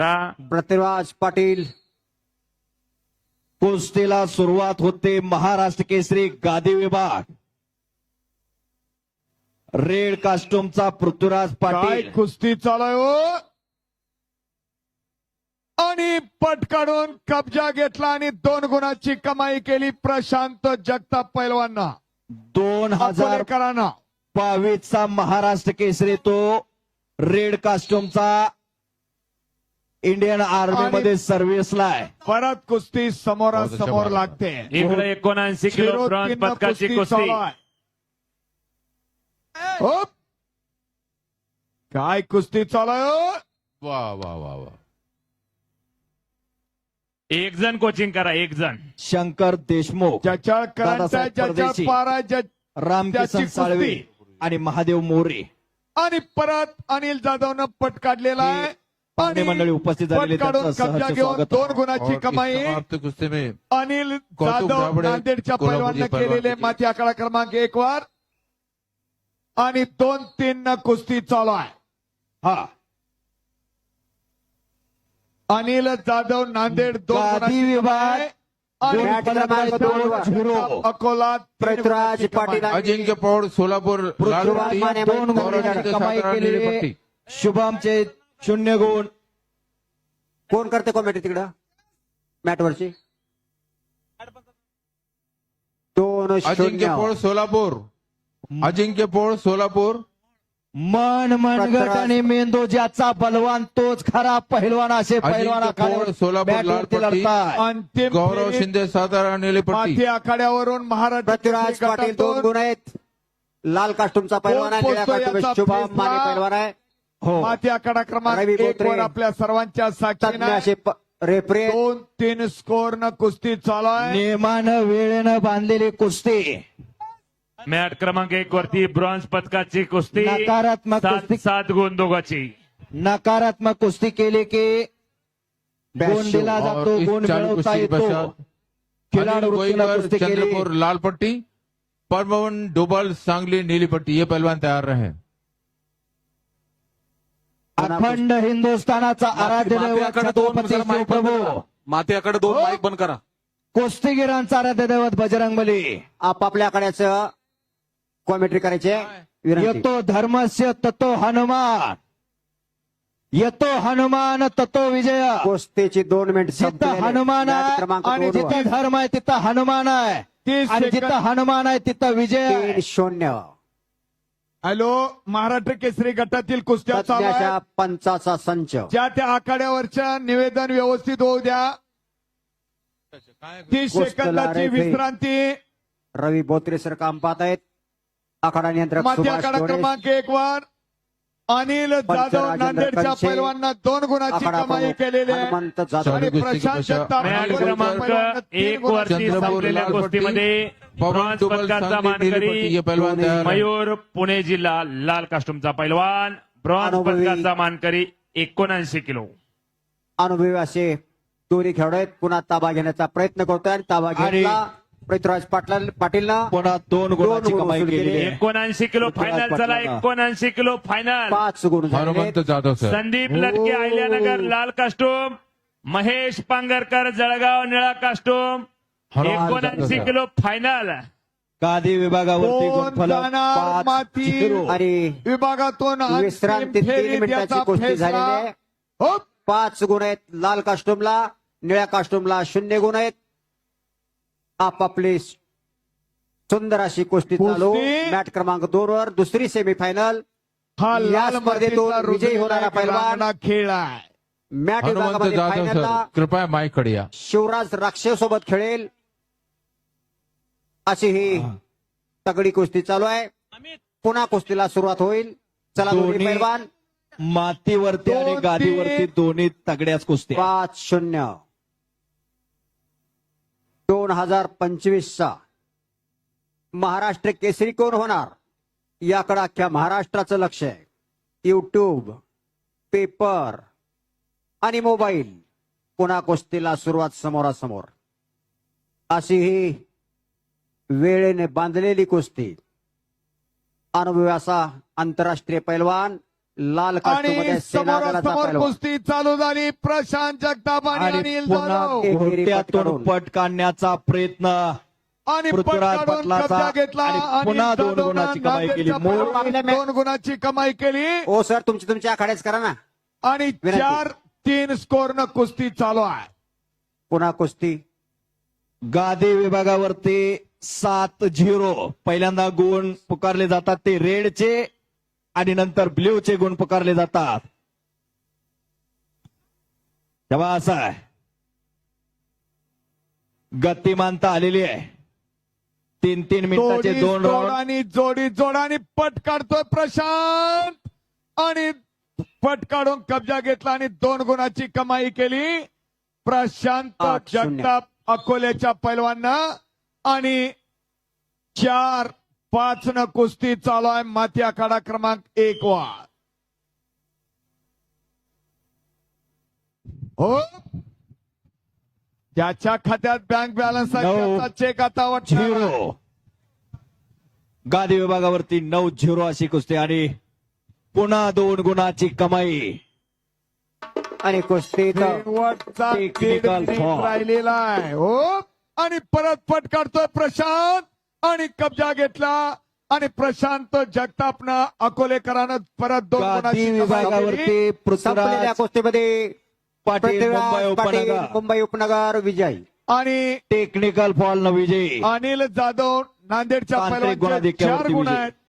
पृथ्वीराज पाटील कुस्तीला सुरुवात होते. महाराष्ट्र केसरी गादी विभाग रेड कास्ट्यूमचा पृथ्वीराज काय पाटील कुस्ती चालू हो आणि पट काढून कब्जा घेतला आणि 2 गुणाची कमाई केली प्रशांत जगताप पैलवांना 2022 चा महाराष्ट्र केसरी तो रेड कास्ट्यूमचा इंडियन आर्मी मध्ये सर्व्हिसला आहे. परत कुस्ती समोरासमोर लागते. इकडे 79 किलो ब्रॉन्झ पदकाची कुस्ती. होप. काय कुस्ती चालू हो वा वा वा वा. एक जण कोचिंग करा, एक जण. शंकर देशमुख, ज्याच्या दादासाहेब परदेशी, रामकिसन त्याची साळवे कुस्ती. आणि महादेव मोरे आणि परत अनिल जाधवनं पट काढलेला आहे पाहुणे मंडळी उपस्थित झालेले पट काढून त्यांचं कब्जा सहर्ष घेऊन स्वागत. 2 गुणाची और कमाई इस समाप्त कुस्ती में अनिल कौतुक जाधव दाभडे, नांदेडच्या कोल्हापूरचे पैलवाननं पैलवान केलेले किती? माती आकडा क्रमांक 1 वर आणि 2-3 न कुस्ती चालू आहे. हा अनिल जाधव नांदेड 2 गादी विभाग आणि मॅट क्रमांक 2-0 अकोला पृथ्वीराज पाटील अजिंक्य पौड़ सोलापुर लाल पृथ्वीराज पट्टी, माने 2 गौरव गुणाची शिंदे कमाई सातारा नीली केली. पट्टी. शुभमचे 0 गुण. कोण करते कॉमेडी तिकडं मॅटवरची अजिंक्य 2-0 पौड़ सोलापुर, अजिंक्य पौड़ सोलापुर. मन मनगट आणि मेंदू ज्याचा बलवान तोच खरा पहिलवान असे पहिलवान अजिंक्य पौड़ आखाड्यावर सोलापुर लाल बॅटवरती पट्टी, लढताय. अंतिम गौरव फेरीत शिंदे सातारा नीली पट्टी. माती आखाड्यावरून महाराष्ट्र पृथ्वीराज पाटील 2 गुण आहेत. लाल कास्टूमचा पैलवान आहे, कोण निळ्या पोचतो कास्टूम याचा शुभम फैसला? माने पैलवान आहे. हो माती आखाडा क्रमांक रवी 1 बोत्रे, वर आपल्या सर्वांच्या तज्ञ साक्षीने असे रेफरी 2-3 स्कोर न कुस्ती चालू आहे. नियमानं वेळेनं बांधलेली कुस्ती. मॅट क्रमांक 1 वरती ब्रॉन्झ पदकाची कुस्ती. नकारात्मक कुस्ती. 7 गुण दोघाची. नकारात्मक कुस्ती केली की गुण दिला और जातो, इस गुण चालू मिळवता कुस्ती येतो. पश्चात खिलाडू अनिल वृत्तीला गोईकर कुस्ती केली. चंद्रपुर लाल पट्टी, परमवन डोबल सांगली नीली पट्टी. ये पहलवान तैयार रहे. अखंड हिंदुस्थानाचा आराध्य दैवत छत्रपती शिवप्रभू, माथ्याकडे 2 माईक बंद करा. कुस्तीगिरांचा आराध्य दैवत बजरंग बली. आपापल्या आकड्याचं कॉमेंट्री करायचे विनंती. येतो धर्मस्य ततो हनुमान, येतो हनुमान ततो विजय. कुस्तीची 2 मिनिट जिथं हनुमान आहे क्रमांक आणि 2 जिथं धर्म आहे तिथं हनुमान आहे 30 आणि जिथं सेकंद. हनुमान आहे तिथं विजय आहे. 3-0 हॅलो, महाराष्ट्र केसरी गटातील कुस्त्या चालू तज्ञाच्या आहेत. पंचाचा संच. ज्या त्या आखाड्यावरच्या निवेदन व्यवस्थित होऊ द्या. 30 कुस्तीला सेकंदाची रेफरी. विश्रांती. रवी बोत्रे सर काम पाहत आहेत. आखाडा नियंत्रक माती सुभाष आखाडा डोळे. क्रमांक 1 वर अनिल जाधव राजेंद्र नांदेडच्या कंचे. पैलवांना 2 गुणाची आखाडा कमाई प्रमुख केलेली आहे. हनुमंत जाधव. आणि चालू कुस्ती प्रशांत पश्चात जगताप मॅट अनिल पैलवानांना क्रमांक 3 1 वरती चंद्रपूर संपलेल्या लाल पट्टी, कुस्तीमध्ये पवन ब्रॉन्झ डोबल पदकाचा सांगली नीली पट्टी. मानकरी ये पहलवान तैयार रहे. मयूर पुणे जिल्हा लाल कास्ट्यूमचा पैलवान. ब्रॉन्झ अनुभवी. पदकाचा मानकरी 79 किलो. अनुभवी असे दोन्ही खेळाडू आहेत. पुन्हा ताबा घेण्याचा प्रयत्न करतोय आणि ताबा घेतला पृथ्वीराज पाटीलनं पुन्हा 2 गुणाची गुण कमाई वसूल केली केली. आहे. 79 किलो फायनल चला. 79 किलो फायनल. 5 गुण झाले. हनुमंत जाधव सर. संदीप लटके अहिल्यानगर लाल कास्टूम, महेश पांगरकर जळगाव निळा कास्टूम. Hanuman 79 kilo final. गादी विभागावरती 2 गुणफलक जाणार माती 5-0. आणि विभागातून अंतिम विश्रांती 3 फेरीत मिनिटाची याचा कुस्ती फैसला. झालेली आहे. हो. 5 गुण आहेत लाल कास्टूमला, निळ्या कास्टूमला 0 गुण आहेत. आपापली सुंदर अशी कुस्ती चालू. कुस्ती. मॅट क्रमांक 2 वर दुसरी सेमीफायनल. हा या लाल स्पर्धेतून मातीचा विजयी होणारा रुजलेला पैलवान. रांगणा खेळ आहे. मॅट हनुमंत विभागामध्ये जाधव फायनलला सर, कृपया माईक खडिया. शिवराज राक्षे सोबत खेळेल अशी ही तगडी कुस्ती चालू आहे. पुन्हा कुस्तीला सुरुवात होईल. चला दोन्ही दोन्ही पैलवान. मातीवरती आणि 2-3. गादीवरती दोन्ही तगड्याच कुस्त्या. 5-0 2025चा महाराष्ट्र केसरी कोण होणार याकडे अख्ख्या महाराष्ट्राचं लक्ष आहे. युट्यूब, पेपर आणि मोबाईल. पुन्हा कुस्तीला सुरुवात समोरासमोर. अशी ही वेळेने बांधलेली कुस्ती. अनुभवी असा आंतरराष्ट्रीय पैलवान लाल आणि कास्टूममध्ये सेनादलाचा समोरासमोर पैलवान कुस्ती चालू झाली. प्रशांत जगताप आणि आणि अनिल पुन्हा जाधव. एकेरी घोट्यातून पटकावून. पट काढण्याचा प्रयत्न आणि पृथ्वीराज पट काढून पाटलाचा कब्जा घेतला. आणि अनिल पुन्हा 2 जाधवनं गुणाची कमाई केली. नांदेडच्या मूळ पैलवानाने 2 गुणाची कमाई केली. हो सर, तुमची आखाड्याच करा ना. आणि विनंती. 4-3 स्कोरनं कुस्ती चालू आहे. पुन्हा कुस्ती गादी विभागावरती 7-0 पहिल्यांदा गुण पुकारले जातात ते रेडचे आणि नंतर ब्ल्यूचे गुण पुकारले जातात. तेव्हा असं आहे, गतिमानता आलेली आहे. 3-3 मिनिटाचे 2 राऊंड. जोडानी पट काढतोय प्रशांत आणि पट काढून कब्जा घेतला आणि 2 गुणाची कमाई केली. प्रशांत 8-0. जगताप अकोल्याच्या पैलवानं आणि 4-5 न कुस्ती चालू आहे. माती आखाडा क्रमांक 1 वर. हो, ज्याच्या खात्यात बँक बॅलन्स आहे 9 त्याचा चेक आता वाटणार आहे. 0 गादी विभागावरती 9-0 अशी कुस्ती आणि पुन्हा 2 गुणाची कमाई. आणि कुस्ती शेवटचा Technical 1.5 मिनिट foul. राहिलेला आहे. हो, आणि परत पट काढतोय प्रशांत आणि कब्जा घेतला आणि प्रशांत जगतापनं अकोलेकरानं परत 2 गादी गुणाची कमाई केली. विभागावरती संपलेल्या पृथ्वीराज कुस्तीमध्ये पाटील मुंबई पृथ्वीराज पाटील उपनगर मुंबई उपनगर विजय. आणि टेक्निकल फॉल न विजयी. अनिल जाधव नांदेडच्या तांत्रिक पैलवानचे गुणाधिक्यावरती 4 गुण विजय. आहेत.